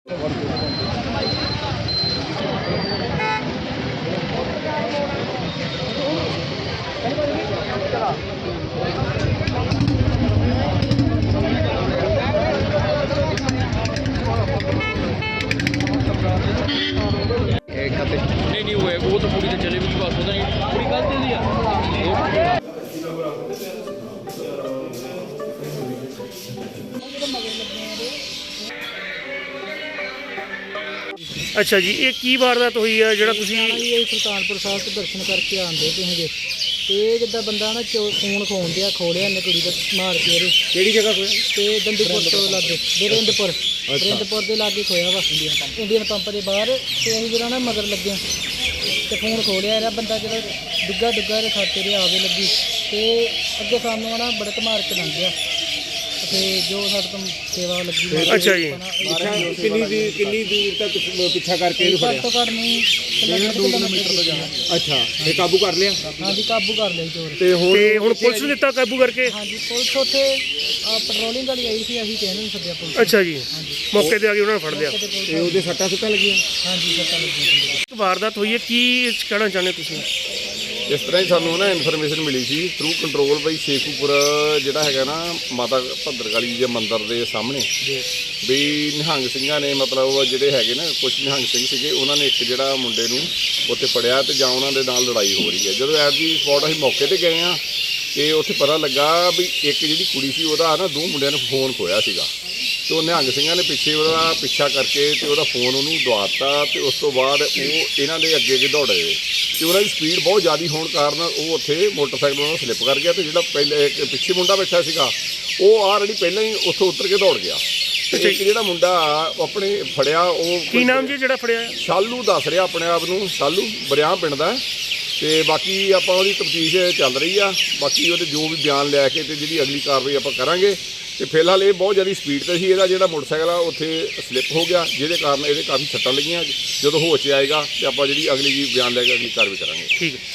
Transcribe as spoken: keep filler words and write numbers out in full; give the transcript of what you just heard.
नहीं नहीं हुए वो तो पूरी तो चले भी बात होता नहीं पूरी गलत दे दिया। अच्छा जी, ये की वारदात हुई है जो सुल्तानपुर साहब तो दर्शन करके आते तुझे तो जिदा बंदा ना फोन खोन दिया खोलिया इन्हें कुड़ी का मार के केड़ी जगह खोया तो दंदूपुर तो लागे बिरिंदपुर बिरिंदपुर के लागे खोया वा इंडियन पंप के बाहर तो अं जो ना मगर लगे तो फोन खोलिया रहा बंदा जो डिग्गा डिग्गा खाते रहे आवे लगी तो अगे सामने ना बड़क मार के लंघ गया जो साढ़े तो सेवा लगी। अच्छा जी, कितनी कितनी दूर तक पिछा करके घट तो घट नहीं किलोमीटर तो जाना। अच्छा ते काबू कर लिया? हाँ जी काबू कर लिया चोर ते हुण ते हुण पुलिस ने दिता काबू करके? हाँ जी पुलिस उत्थे पेट्रोलिंग वाली आई थी असीं कहने नहीं सद्या पुलिस। अच्छा जी, मौके ते आ गए उन्होंने फड़ लिया ते ओहदे सट्टां सुट्टां लगियां? हाँ जी सट्टां लगियां। वारदात हुई है की कहना चाहते तुसीं? इस तरह ही सानू ना इनफॉर्मेशन मिली सी थ्रू कंट्रोल बई शेखूपुर जिहड़ा हैगा ना माता भद्रकाली जे मंदिर के सामने भी निहंग सिंघां ने मतलब जिहड़े हैगे ना कुछ निहंग सिंह सीगे उन्होंने एक जिहड़ा मुंडे नूं उत्थे फड़िया ते जां उन्हां दे नाल लड़ाई हो रही है। जदों एट दी स्पॉट असीं मौके ते गए हाँ ते उत्थे पता लगा भी एक जिहड़ी कुड़ी सी उहदा ना दो मुंडियां ने फोन खोया सीगा तो निहंग सिंघां ने पिछे उहदा पिछा करके ते उहदा फोन उहनूं दवाता ते उस तो बाद वो इन्हां दे अगे अगे दौड़े तो उन्होंने स्पीड बहुत ज़्यादा होने कारण वो उत्थे मोटरसाइकिल उन्होंने स्लिप कर गया तो जो पहले एक पिछे मुंडा बैठा सीगा वो ऑलरेडी पहले ही उत्थों उतर के दौड़ गया। एक जो मुंडा अपने फड़िया की नाम जी जो फड़िया? शालू दस रहा अपने आप को, शालू बरियाम पिंड दा ते बाकी आपां उहदी तफ्तीश चल रही आ। बाकी वो जो भी बयान लैके ते जिहड़ी अगली कार्रवाई आपां करांगे तो फिलहाल ये बहुत ज़्यादा स्पीड से ही इहदा जिहड़ा मोटरसाइकिल आ उत्थे स्लिप हो गया जिहदे कारण ये काफ़ी सट्टां लगियां। जो होश आएगा तो आपां जिहड़ी अगली बयान लैके अगली कार्रवाई करांगे। ठीक है।